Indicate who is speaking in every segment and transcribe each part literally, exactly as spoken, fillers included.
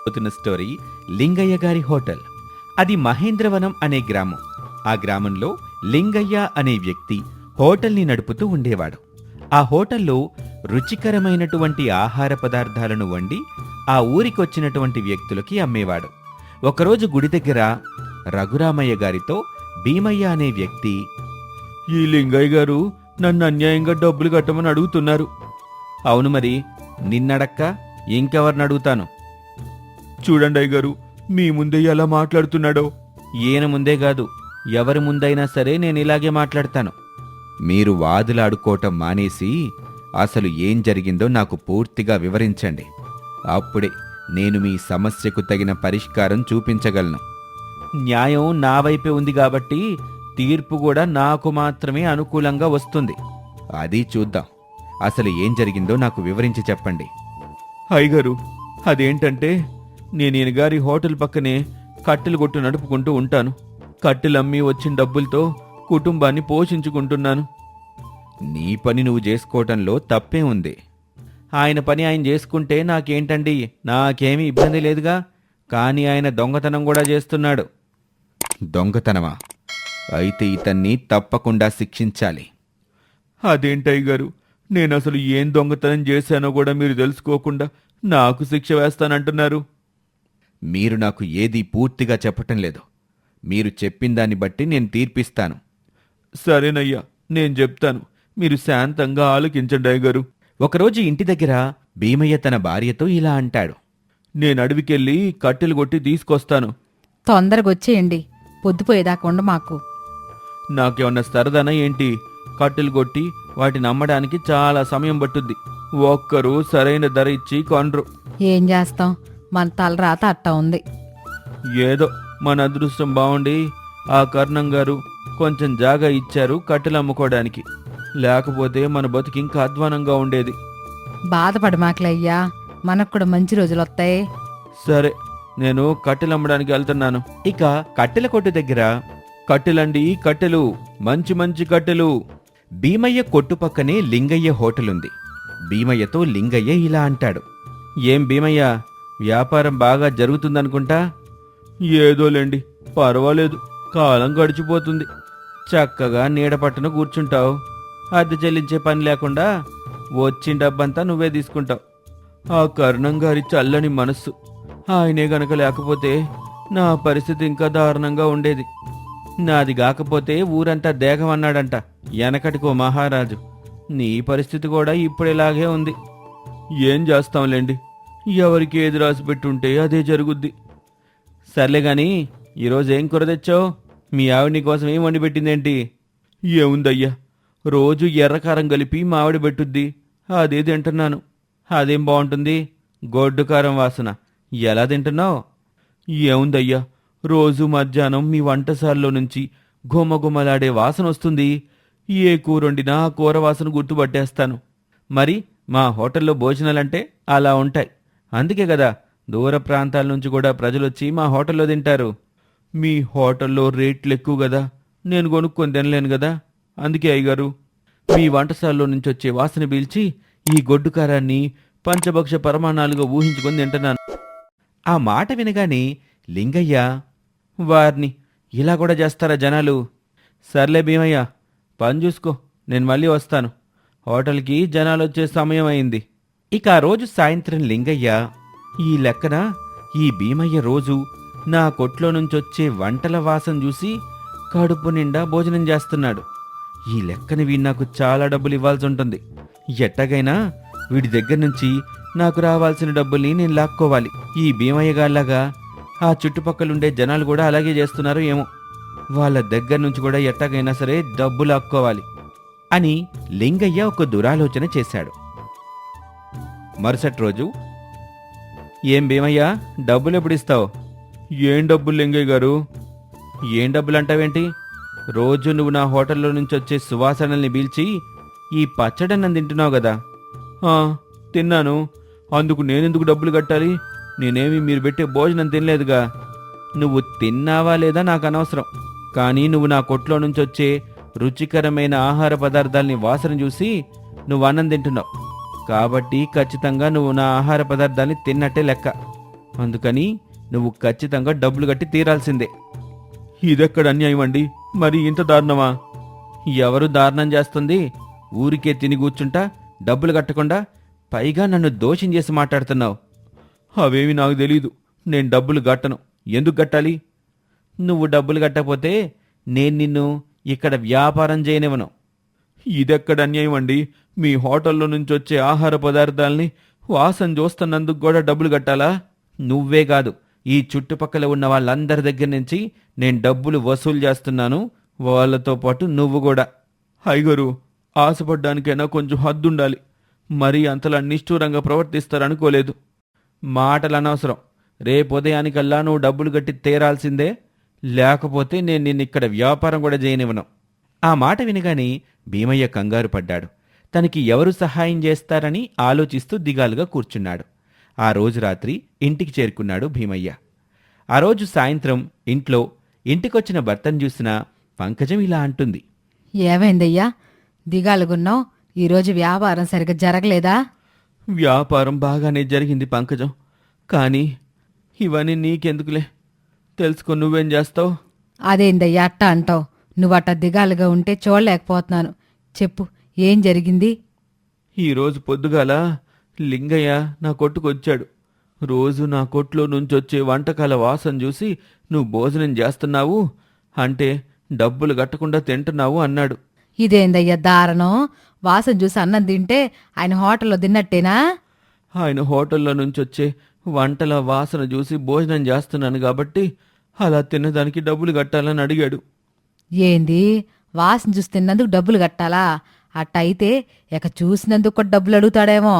Speaker 1: పోతున్న స్టోరీ లింగయ్య గారి హోటల్. అది మహేంద్రవనం అనే గ్రామం. ఆ గ్రామంలో లింగయ్య అనే వ్యక్తి హోటల్ని నడుపుతూ ఉండేవాడు. ఆ హోటల్లో రుచికరమైనటువంటి ఆహార పదార్థాలను వండి ఆ ఊరికొచ్చినటువంటి వ్యక్తులకి అమ్మేవాడు. ఒకరోజు గుడి దగ్గర రఘురామయ్య గారితో భీమయ్య అనే వ్యక్తి, ఈ లింగయ్య గారు నన్ను అన్యాయంగా డబ్బులు కట్టమని అడుగుతున్నారు. అవును, మరి నిన్నడక్క ఇంకెవరిని అడుగుతాను? చూడండి అయ్యగారు, మీ ముందే ఎలా మాట్లాడుతున్నాడో. ఈయన ముందే కాదు, ఎవరి ముందైనా సరే నేను ఇలాగే మాట్లాడతాను. మీరు వాదులాడుకోవటం మానేసి అసలు ఏం జరిగిందో నాకు పూర్తిగా వివరించండి. అప్పుడే నేను మీ సమస్యకు తగిన పరిష్కారం చూపించగలను. న్యాయం నా వైపే ఉంది కాబట్టి తీర్పు కూడా నాకు మాత్రమే అనుకూలంగా వస్తుంది. అది చూద్దాం. అసలు ఏం జరిగిందో నాకు వివరించి చెప్పండి. అయ్యగారు, అదేంటంటే నేను ఈయన గారి హోటల్ పక్కనే కట్టెలు కొట్టు నడుపుకుంటూ ఉంటాను. కట్టెలమ్మి వచ్చిన డబ్బులతో కుటుంబాన్ని పోషించుకుంటున్నాను. నీ పని నువ్వు చేసుకోవటంలో తప్పే ఉంది. ఆయన పని ఆయన చేసుకుంటే నాకేంటండి, నాకేమీ ఇబ్బంది లేదుగా. కానీ ఆయన దొంగతనం కూడా చేస్తున్నాడు. దొంగతనమా? అయితే ఇతన్ని తప్పకుండా శిక్షించాలి. అదేంటయ్య గారు, నేనసలు ఏం దొంగతనం చేశానో కూడా మీరు తెలుసుకోకుండా నాకు శిక్ష వేస్తానంటున్నారు. మీరు నాకు ఏదీ పూర్తిగా చెప్పటం లేదు. మీరు చెప్పిన దాన్ని బట్టి నేను తీర్పిస్తాను. సరేనయ్యా, నేను చెప్తాను. మీరు శాంతంగా ఆలోచించండి అయ్యగారు. ఒకరోజు ఇంటి దగ్గర భీమయ్య తన భార్యతో ఇలా అంటాడు, నేను అడవికెళ్ళి కట్టెలు కొట్టి తీసుకొస్తాను.
Speaker 2: తొందరగా వచ్చేయండి, పొద్దుపోయేదాకా ఉండ మాకు.
Speaker 1: నాకేమన్నా సరదానా ఏంటి? కట్టెలు కొట్టి వాటిని అమ్మడానికి చాలా సమయం పట్టుద్ది. ఒక్కరు సరైన ధర ఇచ్చి కొనరు.
Speaker 2: ఏం చేస్తాం, మన తలరాత అట్టా ఉంది.
Speaker 1: ఏదో మన అదృష్టం బాగుండి ఆ కర్ణం గారు కొంచెం జాగా ఇచ్చారు కట్టెలు అమ్ముకోవడానికి. లేకపోతే మన బతుకి ఇంకా అధ్వానంగా ఉండేది.
Speaker 2: బాధపడమాకలయ్యా, మనకు కూడా మంచి రోజులు వస్తాయి.
Speaker 1: సరే, నేను కట్టెలు అమ్మడానికి వెళ్తున్నాను. ఇక కట్టెల కొట్టు దగ్గర, కట్టెలండి కట్టెలు, మంచి మంచి కట్టెలు. భీమయ్య కొట్టు పక్కనే లింగయ్య హోటల్ ఉంది. భీమయ్యతో లింగయ్య ఇలా అంటాడు, ఏం భీమయ్య, వ్యాపారం బాగా జరుగుతుందనుకుంటా? ఏదోలేండి, పర్వాలేదు. కాలం గడిచిపోతుంది. చక్కగా నీడ పట్టున కూర్చుంటావు. అద్దె చెల్లించే పని లేకుండా వచ్చిన డబ్బంతా నువ్వే తీసుకుంటావు. ఆ కరుణం గారి చల్లని మనస్సు, ఆయనే గనక లేకపోతే నా పరిస్థితి ఇంకా దారుణంగా ఉండేది. నాది కాకపోతే ఊరంతా దేగమన్నాడంట వెనకటికో మహారాజు. నీ పరిస్థితి కూడా ఇప్పుడేలాగే ఉంది. ఏం చేస్తాంలేండి, ఎవరికి ఏది రాసి పెట్టుంటే అదే జరుగుద్ది. సర్లే గాని ఈరోజు ఏం కూర తెచ్చావు? మీ ఆవిడ నీ కోసం ఏం వండి పెట్టిందేంటి? ఏముందయ్యా, రోజు ఎర్రకారం కలిపి మావిడ పెట్టుద్ది, అదే తింటున్నాను. అదేం బాగుంటుంది? గొడ్డు కారం వాసన. ఎలా తింటున్నావు? ఏముందయ్యా, రోజు మధ్యాహ్నం మీ వంటశాలలో నుంచి గుమగుమలాడే వాసన వస్తుంది. ఏ కూర వండినా ఆ కూర వాసన గుర్తుపట్టేస్తాను. మరి మా హోటల్లో భోజనాలంటే అలా ఉంటాయి. అందుకే కదా దూర ప్రాంతాల నుంచి కూడా ప్రజలొచ్చి మా హోటల్లో తింటారు. మీ హోటల్లో రేట్లు ఎక్కువ కదా, నేను కొనుక్కొని తినలేను కదా. అందుకే అయ్యగారు, మీ వంటశాలలో నుంచి వచ్చే వాసన పీల్చి ఈ గొడ్డు కారాన్ని పంచభక్ష పరమాణాలుగా ఊహించుకొని తింటున్నాను. ఆ మాట వినగానే లింగయ్య, వారిని ఇలా కూడా చేస్తారా జనాలు? సర్లే భీమయ్య, పని చూసుకో, నేను మళ్ళీ వస్తాను. హోటల్కి జనాలు వచ్చే సమయం అయింది. ఇక ఆ రోజు సాయంత్రం లింగయ్య, ఈ లెక్కన ఈ భీమయ్య రోజు నా కొట్లో నుంచొచ్చే వంటల వాసన చూసి కడుపు నిండా భోజనం చేస్తున్నాడు. ఈ లెక్కన వీడు నాకు చాలా డబ్బులు ఇవ్వాల్సి ఉంటుంది. ఎట్టగైనా వీడి దగ్గర నుంచి నాకు రావాల్సిన డబ్బుల్ని నేను లాక్కోవాలి. ఈ భీమయ్య గారిలాగా ఆ చుట్టుపక్కలుండే జనాలు కూడా అలాగే చేస్తున్నారు ఏమో. వాళ్ళ దగ్గర నుంచి కూడా ఎట్టగైనా సరే డబ్బు లాక్కోవాలి అని లింగయ్య ఒక దురాలోచన చేశాడు. మరుసటి రోజు, ఏం భీమయ్య, డబ్బులు ఎప్పుడు ఇస్తావు? ఏం డబ్బులు లింగయ్య గారు? ఏం డబ్బులు అంటావేంటి? రోజు నువ్వు నా హోటల్లో నుంచి వచ్చే సువాసనల్ని పీల్చి ఈ పచ్చడన్నం తింటున్నావు కదా. తిన్నాను, అందుకు నేనెందుకు డబ్బులు కట్టాలి? నేనేమి మీరు పెట్టే భోజనం తినలేదుగా. నువ్వు తిన్నావా లేదా నాకు అనవసరం, కానీ నువ్వు నా కొట్లో నుంచి వచ్చే రుచికరమైన ఆహార పదార్థాల్ని వాసన చూసి నువ్వు అన్నం తింటున్నావు. కాబట్టి ఖచ్చితంగా నువ్వు నా ఆహార పదార్థాన్ని తిన్నట్టే లెక్క. అందుకని నువ్వు ఖచ్చితంగా డబ్బులు కట్టి తీరాల్సిందే. ఇదెక్కడ అన్యాయం అండి, మరి ఇంత దారుణమా? ఎవరు దారుణం చేస్తుంది? ఊరికే తిని కూర్చుంటా డబ్బులు కట్టకుండా పైగా నన్ను దోషం చేసి మాట్లాడుతున్నావు. అవేమి నాకు తెలీదు. నేను డబ్బులు కట్టను. ఎందుకు కట్టాలి? నువ్వు డబ్బులు కట్టకపోతే నేను నిన్ను ఇక్కడ వ్యాపారం చేయనివ్వను. ఇదెక్కడ అన్యాయం అండి? మీ హోటల్లో నుంచి వచ్చే ఆహార పదార్థాల్ని వాసన చూస్తున్నందుకు కూడా డబ్బులు కట్టాలా? నువ్వే కాదు, ఈ చుట్టుపక్కల ఉన్న వాళ్ళందరి దగ్గర నుంచి నేను డబ్బులు వసూలు చేస్తున్నాను, వాళ్ళతో పాటు నువ్వు కూడా. హైగరు, ఆశపడ్డానికైనా కొంచెం హద్దుండాలి. మరీ అంతలా నిష్ఠూరంగా ప్రవర్తిస్తారనుకోలేదు. మాటలు అనవసరం. రేపు ఉదయానికల్లా నువ్వు డబ్బులు కట్టి తీరాల్సిందే, లేకపోతే నేను నిన్నిక్కడ వ్యాపారం కూడా చేయనివ్వను. ఆ మాట వినగానే భీమయ్య కంగారు పడ్డాడు. తనకి ఎవరు సహాయం చేస్తారని ఆలోచిస్తూ దిగాలుగా కూర్చున్నాడు. ఆ రోజు రాత్రి ఇంటికి చేరుకున్నాడు భీమయ్య. ఆ రోజు సాయంత్రం ఇంట్లో ఇంటికొచ్చిన భర్తను చూసిన పంకజం ఇలా అంటుంది.
Speaker 2: ఏమైందయ్యా, దిగాలుగున్నావు? ఈరోజు వ్యాపారం సరిగ్గా జరగలేదా?
Speaker 1: వ్యాపారం బాగానే జరిగింది పంకజం, కానీ ఇవన్నీ నీకెందుకులే, తెలుసుకో. నువ్వేం చేస్తావు?
Speaker 2: అదేందయ్యా అట్ట అంటావు? నువ్వట్ట దిగాలుగా ఉంటే చూడలేకపోతున్నాను. చెప్పు, ఏం జరిగింది?
Speaker 1: ఈరోజు పొద్దుగాల లింగయ్య నా కొట్టుకొచ్చాడు. రోజు నా కొట్లో నుంచొచ్చే వంటకాల వాసన చూసి నువ్వు భోజనం చేస్తున్నావు అంటే డబ్బులు కట్టకుండా తింటున్నావు అన్నాడు.
Speaker 2: ఇదేందయ్యా దారుణం? వాసన చూసి అన్నం తింటే ఆయన హోటల్లో తిన్నట్టేనా?
Speaker 1: ఆయన హోటల్లో నుంచొచ్చే వంటల వాసన చూసి భోజనం చేస్తున్నాను కాబట్టి అలా తిన్నదానికి డబ్బులు కట్టాలని అడిగాడు.
Speaker 2: ఏంది, వాసన చూసి తిన్నందుకు డబ్బులు కట్టాలా? అట్టయితే ఇక చూసినందుకు కూడా డబ్బులు అడుగుతాడేమో.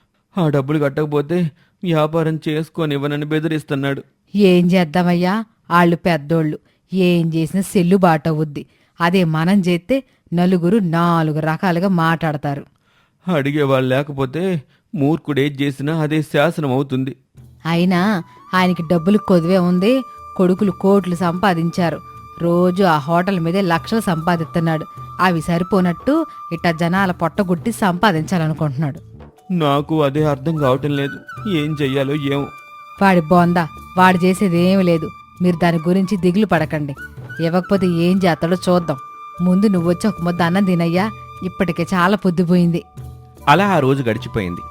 Speaker 1: ఆ డబ్బులు కట్టకపోతే వ్యాపారం చేసుకోనివ్వనని బెదిరిస్తున్నాడు.
Speaker 2: ఏం చేద్దామయ్యా, ఆళ్ళు పెద్దోళ్ళు, ఏం చేసినా సెల్లుబాటు అవుద్ది. అదే మనం చేస్తే నలుగురు నాలుగు రకాలుగా మాట్లాడతారు.
Speaker 1: అడిగేవాళ్ళు లేకపోతే మూర్ఖుడేం చేసినా అదే శాసనం అవుతుంది.
Speaker 2: అయినా ఆయనకి డబ్బులు కొదువే ఉంది. కొడుకులు కోట్లు సంపాదించారు. రోజు ఆ హోటల్ మీదే లక్షలు సంపాదిస్తున్నాడు. అవి సరిపోనట్టు ఇట్ట జనాల పొట్టగుట్టి సంపాదించాలనుకుంటున్నాడు.
Speaker 1: నాకు అదే అర్థం కావటం లేదు. ఏం చెయ్యాలో ఏమో.
Speaker 2: వాడి బోందా, వాడు చేసేది ఏమీ లేదు. మీరు దాని గురించి దిగులు పడకండి. ఇవ్వకపోతే ఏం చేస్తాడో చూద్దాం. ముందు నువ్వొచ్చి ఒక ముద్ద అన్నం తినయ్యా, ఇప్పటికే చాలా పొద్దుపోయింది.
Speaker 1: అలా ఆ రోజు గడిచిపోయింది.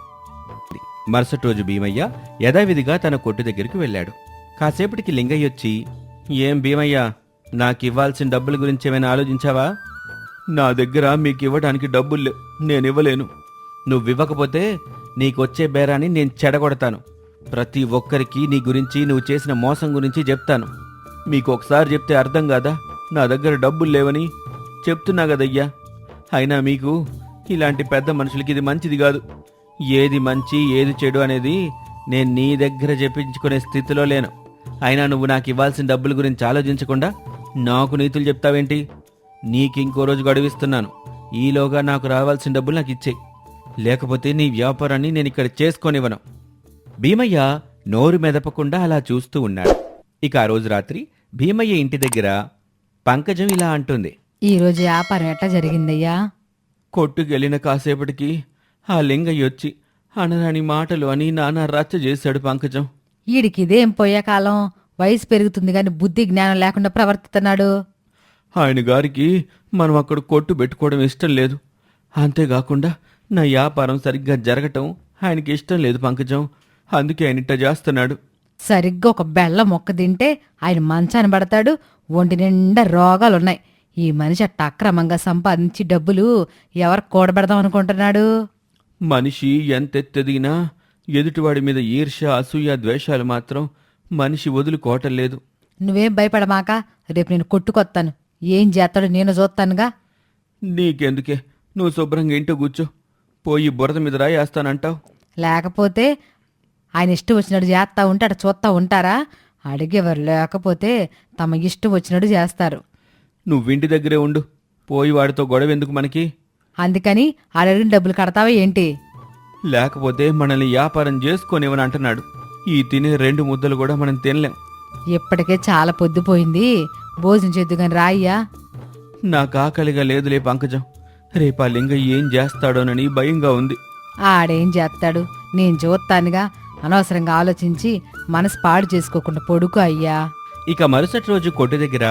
Speaker 1: మరుసటి రోజు భీమయ్య యథావిధిగా తన కొట్టు దగ్గరికి వెళ్ళాడు. కాసేపటికి లింగయ్య వచ్చి, ఏం భీమయ్య, నాకివ్వాల్సిన డబ్బుల గురించి ఏమైనా ఆలోచించావా? నా దగ్గర మీకు ఇవ్వడానికి డబ్బులు నేనివ్వలేను. నువ్వివ్వకపోతే నీకొచ్చే బేరాన్ని నేను చెడగొడతాను. ప్రతి ఒక్కరికి నీ గురించి, నువ్వు చేసిన మోసం గురించి చెప్తాను. మీకు ఒకసారి చెప్తే అర్థం కాదా నా దగ్గర డబ్బులు లేవని? చెప్తున్నా కదయ్యా. అయినా మీకు ఇలాంటి పెద్ద మనుషులకి ఇది మంచిది కాదు. ఏది మంచి ఏది చెడు అనేది నేను నీ దగ్గర చెప్పించుకునే స్థితిలో లేను. అయినా నువ్వు నాకు ఇవ్వాల్సిన డబ్బుల గురించి ఆలోచించకుండా నాకు నీతులు చెప్తావేంటి? నీకింకో రోజు గడువిస్తున్నాను. ఈలోగా నాకు రావాల్సిన డబ్బులు నాకు ఇచ్చేయి, లేకపోతే నీ వ్యాపారాన్ని నేను ఇక్కడ చేసుకోనివ్వను. భీమయ్య నోరు మెదపకుండా అలా చూస్తూ ఉన్నాడు. ఇక ఆ రోజు రాత్రి భీమయ్య ఇంటి దగ్గర పంకజం ఇలా అంటుంది.
Speaker 2: ఈరోజు వ్యాపారం ఎట్లా జరిగిందయ్యా?
Speaker 1: కొట్టుకెళ్ళిన కాసేపటికి ఆ లింగయ్య వచ్చి అనరాని మాటలు అని నానా రచ్చ చేశాడు పంకజం.
Speaker 2: ఈడికిదేం పోయే కాలం, వయసు పెరుగుతుంది గాని బుద్ధి జ్ఞానం లేకుండా ప్రవర్తిస్తున్నాడు.
Speaker 1: ఆయన గారికి మనం అక్కడ కొట్టు పెట్టుకోవడం ఇష్టం లేదు. అంతేకాకుండా నా వ్యాపారం సరిగ్గా జరగటం ఆయనకి ఇష్టం లేదు పంకజం. అందుకే ఆయన ఇట్ట చేస్తున్నాడు.
Speaker 2: సరిగ్గా ఒక బెల్ల మొక్క తింటే ఆయన మంచాన పడతాడు. ఒంటి నిండా రోగాలున్నాయి. ఈ మనిషి అట్ట అక్రమంగా సంపాదించి డబ్బులు ఎవరు కూడబెడదాం అనుకుంటున్నాడు?
Speaker 1: మనిషి ఎంతెత్తెదిగినా ఎదుటివాడి మీద ఈర్ష్య, అసూయ, ద్వేషాలు మాత్రం మనిషి వదులుకోవటం లేదు.
Speaker 2: నువ్వేం భయపడమాక, రేపు నేను కొట్టుకొత్తాను. ఏం చేస్తాడో నేను చూస్తానుగా.
Speaker 1: నీకెందుకే, నువ్వు శుభ్రంగా ఇంట్లో కూర్చో. పోయి బురద మీద రాయేస్తానంటావు.
Speaker 2: లేకపోతే ఆయన ఇష్టం వచ్చినట్టు చేస్తా ఉంటే అటు చూస్తా ఉంటారా? అడిగేవారు లేకపోతే తమ ఇష్టం వచ్చినట్టు చేస్తారు.
Speaker 1: నువ్వింటి దగ్గరే ఉండు. పోయి వాడితో గొడవ ఎందుకు మనకి?
Speaker 2: అందుకని అడిగిన డబ్బులు కడతావా ఏంటి?
Speaker 1: లేకపోతే మనల్ని వ్యాపారం చేసుకొనివని అంటున్నాడు. ఈ తినే రెండు ముద్దలు కూడా మనం తినలేం.
Speaker 2: ఇప్పటికే చాలా పొద్దుపోయింది. భోజనం చేద్దుగాని రాయ్యా.
Speaker 1: నాకు ఆకలిగా లేదులే పంకజం. రేపా లింగయ్య ఏం చేస్తాడోనని భయంగా ఉంది.
Speaker 2: ఆడేం చేస్తాడు, నేను చూస్తానుగా. అనవసరంగా ఆలోచించి మనసు పాడు చేసుకోకుండా పడుకో అయ్యా.
Speaker 1: ఇక మరుసటి రోజు కొట్టు దగ్గర,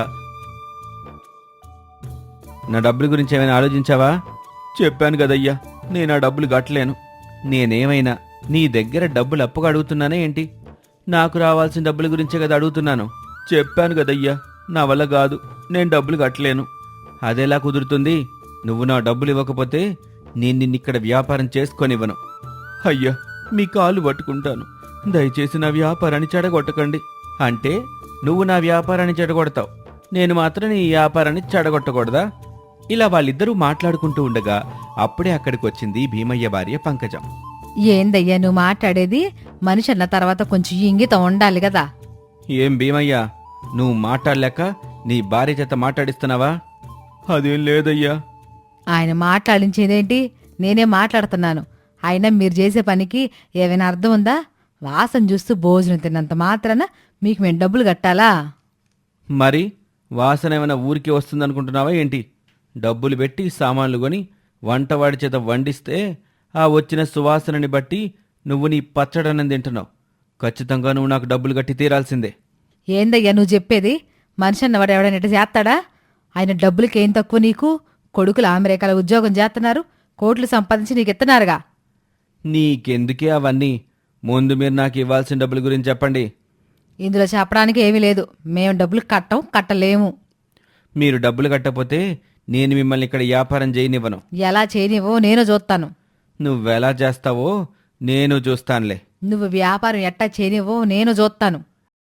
Speaker 1: నా డబ్బుల గురించి ఏమైనా ఆలోచించావా? చెప్పాను కదయ్యా, నేను ఆ డబ్బులు కట్టలేను. నేనేమైనా నీ దగ్గర డబ్బులు అప్పుగా అడుగుతున్నానే ఏంటి? నాకు రావాల్సిన డబ్బుల గురించే కదా అడుగుతున్నాను. చెప్పాను కదయ్యా, నా వల్ల కాదు, నేను డబ్బులు కట్టలేను. అదెలా కుదురుతుంది? నువ్వు నా డబ్బులు ఇవ్వకపోతే నేను నిన్నిక్కడ వ్యాపారం చేసుకొనివ్వను. అయ్యా, మీ కాలు పట్టుకుంటాను, దయచేసి నా వ్యాపారాన్ని చెడగొట్టకండి. అంటే నువ్వు నా వ్యాపారాన్ని చెడగొడతావు, నేను మాత్రం నీ వ్యాపారాన్ని చెడగొట్టకూడదా? ఇలా వాళ్ళిద్దరూ మాట్లాడుకుంటూ ఉండగా అప్పుడే అక్కడికి వచ్చింది భీమయ్య భార్య పంకజం.
Speaker 2: ఏందయ్యా నువ్వు మాట్లాడేది? మనిషి అన్న తర్వాత కొంచెం ఇంగితం ఉండాలి కదా.
Speaker 1: ఏం భీమయ్య, నువ్వు మాట్లాడలేక నీ భార్య చేత మాట్లాడిస్తున్నావా? అదేం లేదయ్యా.
Speaker 2: ఆయన మాట్లాడించేదేంటి? నేనే మాట్లాడుతున్నాను. అయినా మీరు చేసే పనికి ఏమైనా అర్థం ఉందా? వాసన చూస్తూ భోజనం తిన్నంత మాత్రాన మీకు మేము డబ్బులు కట్టాలా?
Speaker 1: మరి వాసన ఏమైనా ఊరికి వస్తుందనుకుంటున్నావా ఏంటి? డబ్బులు పెట్టి సామాన్లు కొని వంటవాడి చేత వండిస్తే ఆ వచ్చిన సువాసనని బట్టి నువ్వు నీ పచ్చడనం తింటున్నావు. ఖచ్చితంగా నువ్వు నాకు డబ్బులు కట్టి తీరాల్సిందే.
Speaker 2: ఏందయ్యా నువ్వు చెప్పేది? మనిషి అన్నవాడు ఎవడైనా ఇట్ట చేస్తాడా? ఆయన డబ్బులకేం తక్కువ నీకు? కొడుకులు అమెరికాలో ఉద్యోగం చేస్తున్నారు, కోట్లు సంపాదించి నీకు ఇస్తున్నారుగా.
Speaker 1: నీకెందుకే అవన్నీ? ముందు మీరు నాకు ఇవ్వాల్సిన డబ్బుల గురించి చెప్పండి.
Speaker 2: ఇందులో చెప్పడానికి ఏమీ లేదు. మేము డబ్బులు కట్టం, కట్టలేము.
Speaker 1: మీరు డబ్బులు కట్టకపోతే నేను మిమ్మల్ని ఇక్కడ వ్యాపారం చేయనివ్వను.
Speaker 2: ఎలా చేయనివో నేను చూస్తాను.
Speaker 1: నువ్వెలా చేస్తావో నేను చూస్తానులే.
Speaker 2: నువ్వు వ్యాపారం ఎట్టా చేయనివో నేను చూస్తాను.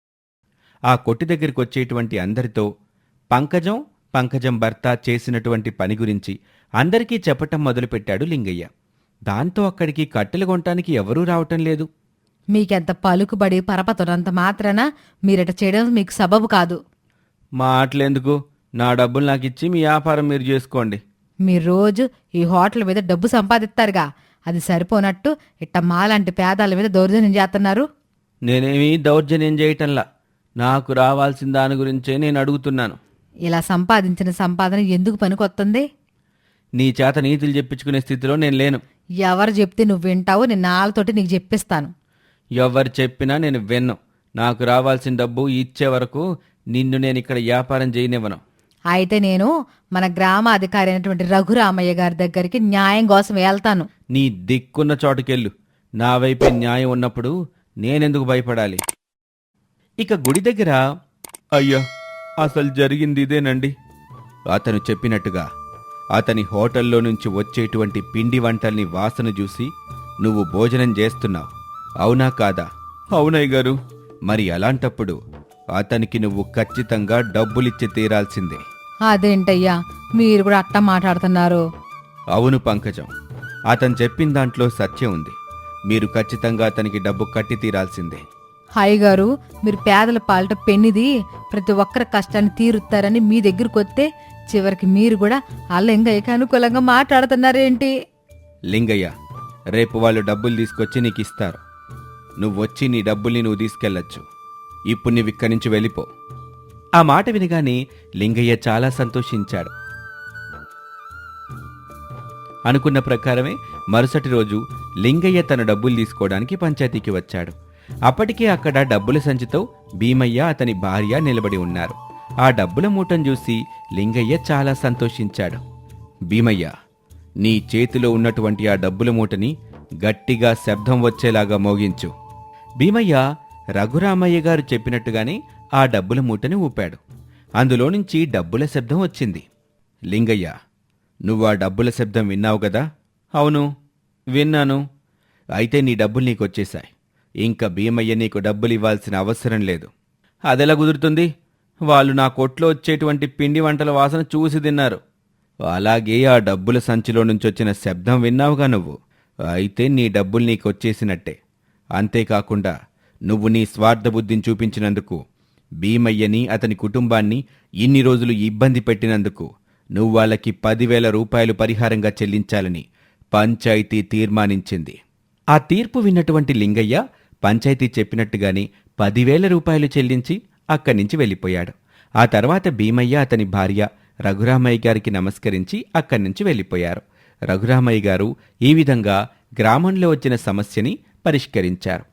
Speaker 1: ఆ కొట్టు దగ్గరికి వచ్చేటువంటి అందరితో పంకజం, పంకజం భర్త చేసినటువంటి పని గురించి అందరికీ చెప్పటం మొదలుపెట్టాడు లింగయ్య. దాంతో అక్కడికి కట్టెలు కొనటానికి ఎవరూ రావటం లేదు.
Speaker 2: మీకెంత పలుకుబడి పరపతున్నంత మాత్రాన మీరట చేయడం మీకు సబబు కాదు.
Speaker 1: మాటలెందుకు? నా డబ్బులు నాకిచ్చి మీ వ్యాపారం మీరు చేసుకోండి.
Speaker 2: మీరు రోజు ఈ హోటల్ మీద డబ్బు సంపాదిస్తారుగా, అది సరిపోనట్టు ఇట్ట మాలాంటి పేదాల మీద దౌర్జన్యం చేస్తున్నారు.
Speaker 1: నేనేమీ దౌర్జన్యం చేయటంలా, నాకు రావాల్సిన దాని గురించే నేను అడుగుతున్నాను.
Speaker 2: ఇలా సంపాదించిన సంపాదన ఎందుకు పనికొస్తుంది?
Speaker 1: నీ చేత నీతులు చెప్పించుకునే స్థితిలో నేను లేను.
Speaker 2: ఎవరు చెప్తే నువ్వు వింటావు? నేను నాళ్ళతోటి నీకు చెప్పిస్తాను.
Speaker 1: ఎవరు చెప్పినా నేను విన్ను. నాకు రావాల్సిన డబ్బు ఇచ్చే వరకు నిన్ను నేను ఇక్కడ వ్యాపారం చేయనివ్వను.
Speaker 2: అయితే నేను మన గ్రామాధికారి అయినటువంటి రఘురామయ్య గారి దగ్గరికి న్యాయం కోసం వెళ్తాను.
Speaker 1: నీ దిక్కున్న చోటుకెళ్ళు. నా వైపే న్యాయం ఉన్నప్పుడు నేనెందుకు భయపడాలి? ఇక గుడి దగ్గర, అయ్యా అసలు జరిగింది ఇదేనండి. అతను చెప్పినట్టుగా అతని హోటల్లో నుంచి వచ్చేటువంటి పిండి వంటల్ని వాసన చూసి నువ్వు భోజనం చేస్తున్నావు, అవునా కాదా? అవునయ్య గారు. మరి అలాంటప్పుడు అతనికి నువ్వు ఖచ్చితంగా డబ్బులిచ్చి తీరాల్సిందే.
Speaker 2: అదేంటయ్యా మీరు కూడా అట్టా మాట్లాడుతున్నారు?
Speaker 1: అవును పంకజం, అతను చెప్పిన దాంట్లో సత్యం ఉంది. మీరు ఖచ్చితంగా అతనికి డబ్బు కట్టి తీరాల్సిందే.
Speaker 2: హాయ్ గారు, మీరు పేదల పాలిట పెన్నిది, ప్రతి ఒక్కరి కష్టాన్ని తీరుతారని మీ దగ్గరకు వస్తే చివరికి మీరు కూడా ఆ లింగయ్యకి అనుకూలంగా మాట్లాడుతున్నారేంటి?
Speaker 1: లింగయ్య, రేపు వాళ్ళు డబ్బులు తీసుకొచ్చి నీకు ఇస్తారు. నువ్వొచ్చి నీ డబ్బుల్ని నువ్వు తీసుకెళ్లొచ్చు. ఇప్పుడు నువ్వు ఇక్కడి నుంచి వెళ్ళిపో. ఆ మాట వినగానే లింగయ్య చాలా సంతోషించాడు. అనుకున్న ప్రకారమే మరుసటి రోజు లింగయ్య తన డబ్బులు తీసుకోవడానికి పంచాయతీకి వచ్చాడు. అప్పటికే అక్కడ డబ్బుల సంచితో భీమయ్య, అతని భార్య నిలబడి ఉన్నారు. ఆ డబ్బుల మూటను చూసి లింగయ్య చాలా సంతోషించాడు. భీమయ్య, నీ చేతిలో ఉన్నటువంటి ఆ డబ్బుల మూటని గట్టిగా శబ్దం వచ్చేలాగా మోగించు. భీమయ్య రఘురామయ్య గారు చెప్పినట్టుగానే ఆ డబ్బుల మూటని ఊపాడు. అందులో నుంచి డబ్బుల శబ్దం వచ్చింది. లింగయ్య, నువ్వు ఆ డబ్బుల శబ్దం విన్నావు గదా? అవును, విన్నాను. అయితే నీ డబ్బులు నీకొచ్చేశాయి. ఇంకా భీమయ్య నీకు డబ్బులు ఇవ్వాల్సిన అవసరం లేదు. అదెలా కుదురుతుంది? వాళ్ళు నా కొట్లో వచ్చేటువంటి పిండి వంటల వాసన చూసి తిన్నారు. అలాగే ఆ డబ్బుల సంచిలో నుంచి వచ్చిన శబ్దం విన్నావుగా నువ్వు. అయితే నీ డబ్బులు నీకొచ్చేసినట్టే. అంతేకాకుండా నువ్వు నీ స్వార్థ బుద్ధిని చూపించినందుకు, భీమయ్యని అతని కుటుంబాన్ని ఇన్ని రోజులు ఇబ్బంది పెట్టినందుకు నువ్వు వాళ్ళకి పదివేల రూపాయలు పరిహారంగా చెల్లించాలని పంచాయతీ తీర్మానించింది. ఆ తీర్పు విన్నటువంటి లింగయ్య పంచాయతీ చెప్పినట్టుగానే పదివేల రూపాయలు చెల్లించి అక్కడి నుంచి వెళ్ళిపోయాడు. ఆ తర్వాత భీమయ్య, అతని భార్య రఘురామయ్య గారికి నమస్కరించి అక్కడి నుంచి వెళ్ళిపోయారు. రఘురామయ్య గారు ఈ విధంగా గ్రామంలో వచ్చిన సమస్యని పరిష్కరించారు.